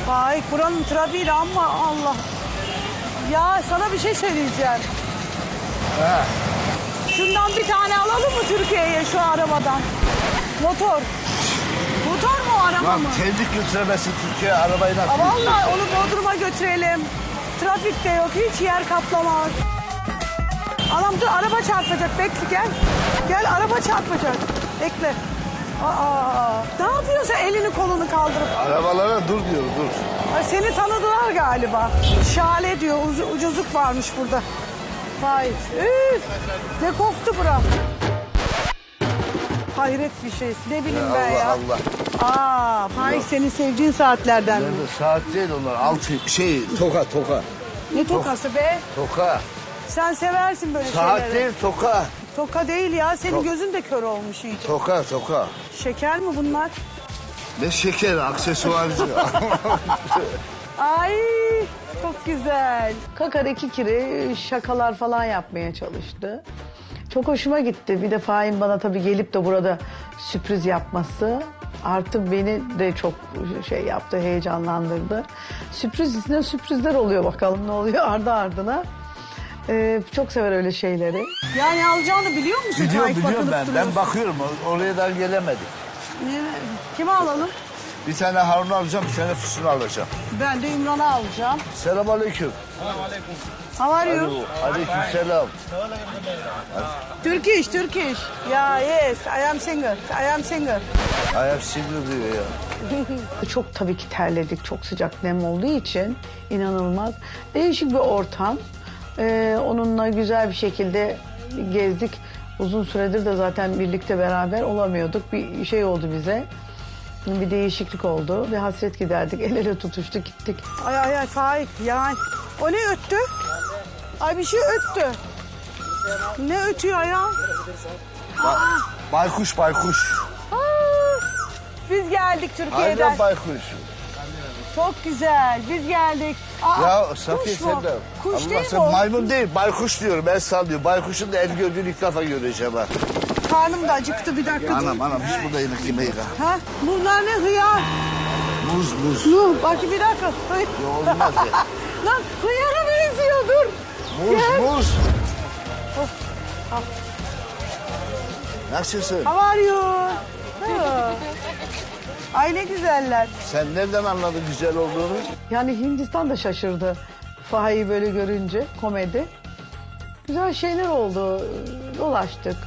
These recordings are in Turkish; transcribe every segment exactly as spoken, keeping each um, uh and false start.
Vay buranın trafiği de ama Allah. Ya sana bir şey söyleyeceğim. He. Şundan bir tane alalım mı Türkiye'ye şu arabadan? Motor. Motor mu araba Lan mı? kendi götüremezsin Türkiye arabayı nasıl? Aa, vallahi onu Bodrum'a götürelim. Trafik de yok, hiç yer kaplamaz. Anam dur, araba çarpacak, bekle gel. Gel, araba çarpacak, bekle. Aa, ne yapıyorsun elini kolunu kaldırıp? Arabalara dur diyor, dur. Ay, seni tanıdılar galiba. Şale diyor, ucu- ucuzluk varmış burada. Vay, üf, ne koktu bura. Hayret bir şey, ne bileyim Ya ben ya. Allah Allah. Aa, Faik senin sevdiğin saatlerden mi? Nerede? Saat değil onlar. Altı şey toka toka. Ne tokası be? Toka. Sen seversin böyle Saat şeyleri. değil toka. Toka değil ya, senin Tok- gözün de kör olmuş iyice. Toka toka. Şeker mi bunlar? Ne şeker aksesuarcı. Ay çok güzel. Kakar iki kere şakalar falan yapmaya çalıştı. Çok hoşuma gitti. Bir de Fahin bana tabii gelip de burada sürpriz yapması artık beni de çok şey yaptı, heyecanlandırdı. Sürpriz üstüne sürprizler oluyor, bakalım ne oluyor ardı ardına. Ee, çok sever öyle şeyleri. Yani alacağını biliyor musun? Biliyorum Faik, biliyorum bakılıp ben. Ben duruyorsun. bakıyorum oraya da gelemedik. Ne- Kimi alalım? Bir tane Harun alacağım, bir tane Füsun alacağım. Ben de İmran'ı alacağım. Selamünaleyküm. How are you? Aleykümselam. Turkish, Turkish. Yeah, yes. I am single. I am single. Ayak sinir diyor ya. Çok tabii ki terledik. Çok sıcak nem olduğu için inanılmaz. Değişik bir ortam. Ee, onunla güzel bir şekilde gezdik. Uzun süredir de zaten birlikte beraber olamıyorduk. Bir şey oldu bize. Bir değişiklik oldu. Bir hasret giderdik. El ele tutuştuk gittik. Ay ay ay Faik ya. O ne öttü? Ay bir şey öttü. Ne ötüyor ya? Ba- baykuş baykuş. Aa, biz geldik Türkiye'den. Aynen baykuş. Çok güzel. Biz geldik. Aa, Ya Safiye kuş mu? sen de. Kuş Allah değil sen mi o? maymun değil baykuş diyorum ben sallıyor. Baykuşun da el gördüğünü ilk defa göreceğim ha. Karnım da acıktı, bir dakika. dur. Anam anam hiç burada yemek yemeyiz ha. Ha? Bunlar ne hıyar? Muz muz. Dur bak bir dakika. Hıy- Ya olmaz ya. Lan hıyara benziyor, dur. Muz Gel. muz. Oh, al. Nasılsın? How are you? Ha. Ay ne güzeller. Sen nereden anladın güzel olduğunu? Yani Hindistan da şaşırdı. Fahayı böyle görünce, komedi. Güzel şeyler oldu. Dolaştık.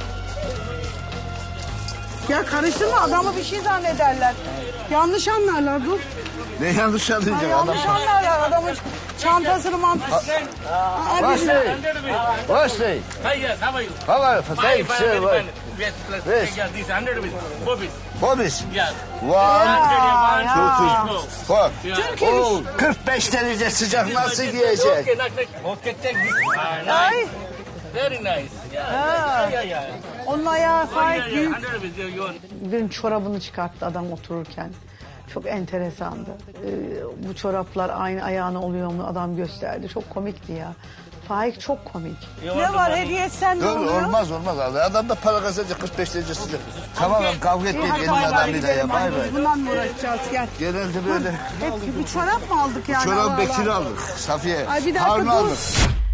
Ya karıştırma, adamı bir şey zannederler. Yanlış anlarlar, dur. Ne yanlış Ha, anlayacak adam? yanlış anlarlar adamın çantasını mantasını. Wesley. Wesley. Hi, yes, how are you? How are you? Fine, Thanks. fine, very sir. fine. Yes, plus, Yes. yes, this hundred rupees. Bobbies. Bobis. Yes. One, ya. two, three, four. Türkiye. Oo, kırk beş derece sıcak nasıl Okay, giyecek? knock, knock. Okay, take this. Ah, Ay. nice. Very nice. Yeah, Ha. yeah, yeah, yeah. Onun ayağı Oh, Faik yeah, yeah, büyük. hundred rupees. You, you want? Birinin çorabını çıkarttı adam otururken. Çok enteresandı. Ee, bu çoraplar aynı ayağına oluyor mu adam gösterdi. Çok komikti ya. Faik çok komik. Ne var hediye sen ne Dur oluyor? olmaz olmaz. Adam da para kazanacak kırk beş derece sıcak. Tamam lan kavga İyi, etmeyin hadi elin bay bay adamıyla gidelim. ya bay Hadi bay. biz bundan mı uğraşacağız, gel. Genelde böyle. Hep bir çorap mı aldık yani? Allah Çorap Allah. Bekir aldık. Safiye. Ay bir dakika Harun dur. aldık.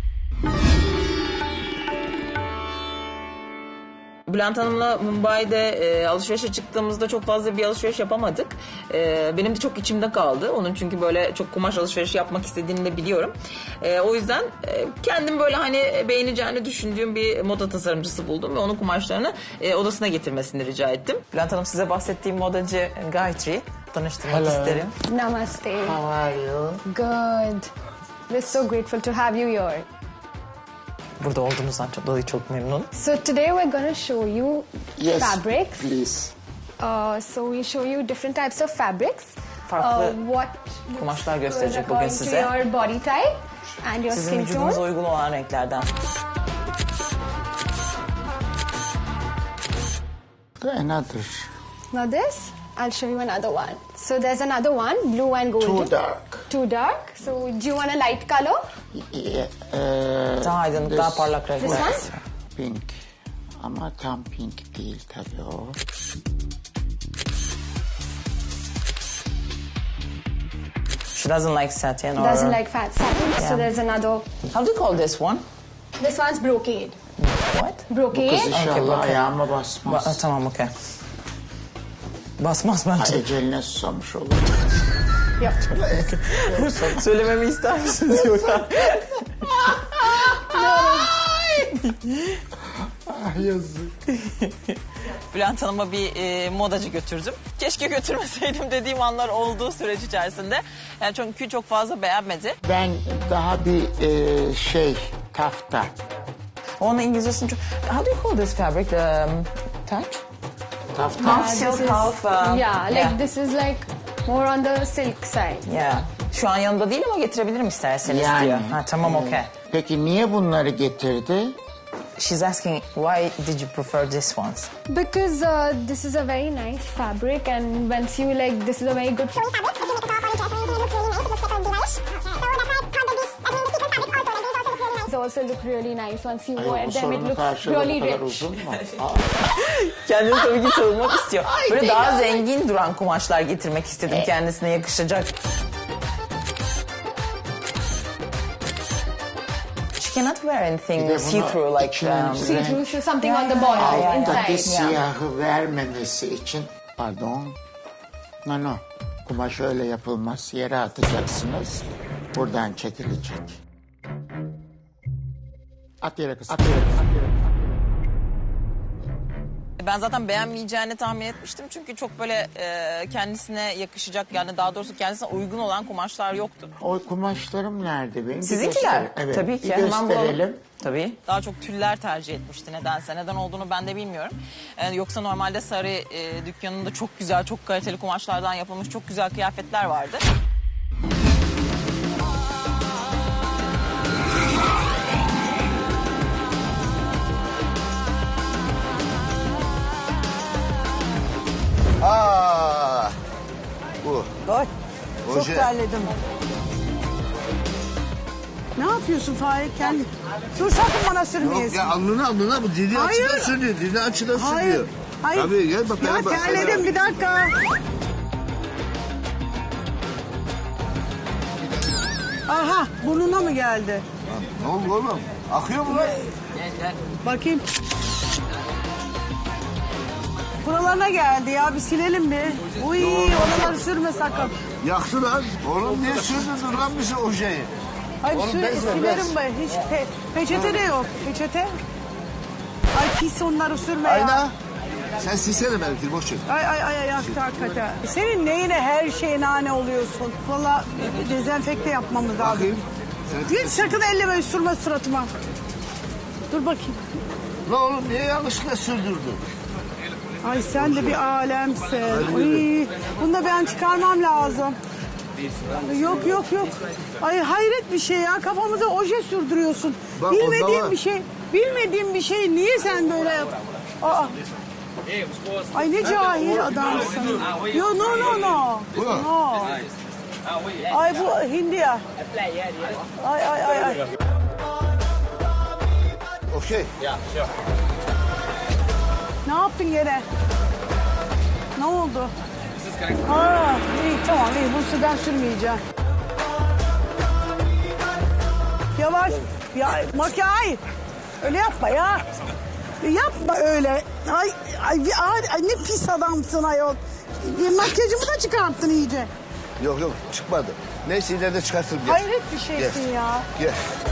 Bülent Hanım'la Mumbai'de e, alışverişe çıktığımızda çok fazla bir alışveriş yapamadık. E, benim de çok içimde kaldı. Onun çünkü böyle çok kumaş alışverişi yapmak istediğini de biliyorum. E, o yüzden e, kendim böyle hani beğeneceğini düşündüğüm bir moda tasarımcısı buldum ve onun kumaşlarını e, odasına getirmesini rica ettim. Bülent Hanım size bahsettiğim modacı Gayatri tanıştırmak isterim. Namaste. How are you? Good. We're so grateful to have you here. Burada olduğumuzdan çok dolayı çok memnun. So today we're going to show you Yes, fabrics. please. Uh, so we'll show you different types of fabrics. Farklı uh, what kumaşlar gösterecek according bugün to size. your body type and your Sizin skin vücudunuza tone. uygun olan renklerden. Another. Now this, I'll show you another one. So there's another one, blue and golden. Too dark. Too dark. So do you want a light color? Yeah, uh, Daha aydınlık, daha parlak This renkler. one? Pink. Ama tam pink değil tabii o. She doesn't like satin or... Doesn't like fat satin. Yeah. So there's another. How do you call this one? This one's brocade. What? Kız Brocade. inşallah okey. ayağıma Ba- basmaz. tamam, okey. Basmaz bence. Ha, eceline susamış olur. Söylememi ister misiniz yoksa? Ah yazık. Bülent Hanım'a bir e, modacı götürdüm. Keşke götürmeseydim dediğim anlar olduğu süreç içerisinde. Yani çünkü çok fazla beğenmedi. Ben daha bir e, şey tafta. Onun İngilizcesini çok... How do you call this fabric? The um, touch? Tafta. Uh, this silk, is- half, um, yeah, like yeah. this is like more on the silk side. Yeah. Şu an yanımda değil ama getirebilirim isterseniz Yani. diyor. Ha, tamam, okey. Peki niye bunları getirdi? She's asking why did you prefer this ones? Because uh, this is a very nice fabric, and once you like, this is a very good fabric. These also look really nice once you Ay, wear bu them. It sorunun looks karşılığı really bu kadar rich. uzun mu? Aa, Kendini tabii ki savunmak istiyor. Böyle daha zengin duran kumaşlar getirmek istedim kendisine yakışacak. She cannot wear Bir anything de bunu see-through like... içine Um, renk- See-through, so something on the bottom, yeah, yeah. inside. Alttaki siyahı vermemesi için, pardon, no no, kumaş öyle yapılmaz, yere atacaksınız, buradan çekilecek. At yere kız, at yere kız, at yere kız. Ben zaten beğenmeyeceğini tahmin etmiştim. Çünkü çok böyle e, kendisine yakışacak, yani daha doğrusu kendisine uygun olan kumaşlar yoktu. O kumaşlarım nerede benim? Bir Sizinkiler? göster- Evet, Tabii ki. bir Hemen bulalım. gösterelim. Tabii. Daha çok tüller tercih etmişti nedense. Neden olduğunu ben de bilmiyorum. Ee, yoksa normalde sarı e, dükkanında çok güzel, çok kaliteli kumaşlardan yapılmış çok güzel kıyafetler vardı. Aa, bu. Ay, çok Oje. terledim. Ne yapıyorsun Fahir? Kendi... Dur sakın bana Yok sürmeyesin. ya alnına alnına bu dili Hayır. açıdan sürüyor. Dili açıdan Hayır. sürüyor. Hayır. Tabii gel bak. Ya bana bak, terledim bana bir dakika. Aha burnuna mı geldi? bak. Ne oldu oğlum? Akıyor mu lan? Bakayım. Buralarına geldi ya bir silelim bir. Uy oraları sürme sakın. Yaktı lan. Oğlum niye sürdürdün lan bizi o şeyi? Hayır Oğlum sür, bez ver, silerim bez. ben. Hiç pe- peçete de yok. Peçete. Ay pis onları sürme ya. Ayna. Sen silsene benimkini boş ver. Ay ay ay ay yaktı hakikaten. Senin neyine her şeye nane oluyorsun? Valla dezenfekte yapmamız lazım. Bakayım. Sen... Hiç sakın elleme sürme suratıma. Dur bakayım. Lan oğlum niye yanlışlıkla sürdürdün? Ay sen de bir alemsin. Uy, bunu da ben çıkarmam lazım. Yok yok yok. Ay hayret bir şey ya. Kafamıza oje sürdürüyorsun. Bak, Bilmediğim onda var. bir şey. Bilmediğim bir şey niye sen böyle yap? Aa. Ay ne cahil adamsın. Yo no no no. Bu. No. Ay bu Hindiya. Ay ay ay ay. Okey. Ne yaptın gene? Ne oldu? Aa, iyi tamam iyi bu sudan sürmeyeceğim. Yavaş. Ya makyaj. Öyle yapma ya. Yapma öyle. Ay, ay, ay, ay ne pis adamsın ayol. Makyajımı da çıkarttın iyice. Yok yok çıkmadı. Neyse ileride çıkartırım. Gel. Hayret bir şeysin Gel. ya. Gel.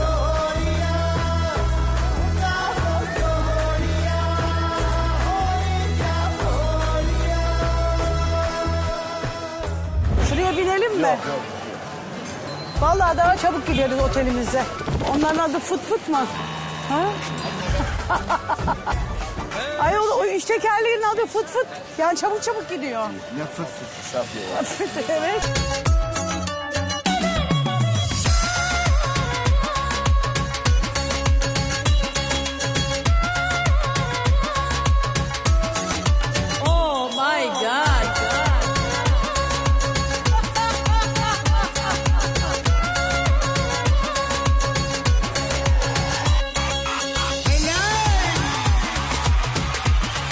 Şuraya binelim mi? Vallahi daha çabuk gideriz otelimize. Onların adı fıt fıt mı? Ha? Ay o, o üç tekerleğin adı fıt fıt. Yani çabuk çabuk gidiyor. Ne fıt fıt Safiye ya. Evet. Oh my God.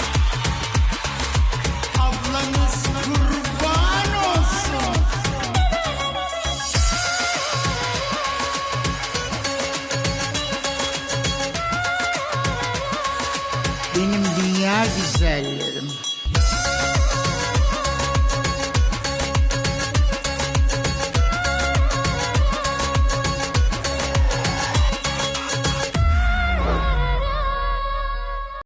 Ablanız kurban olsun. dünya güzelliği.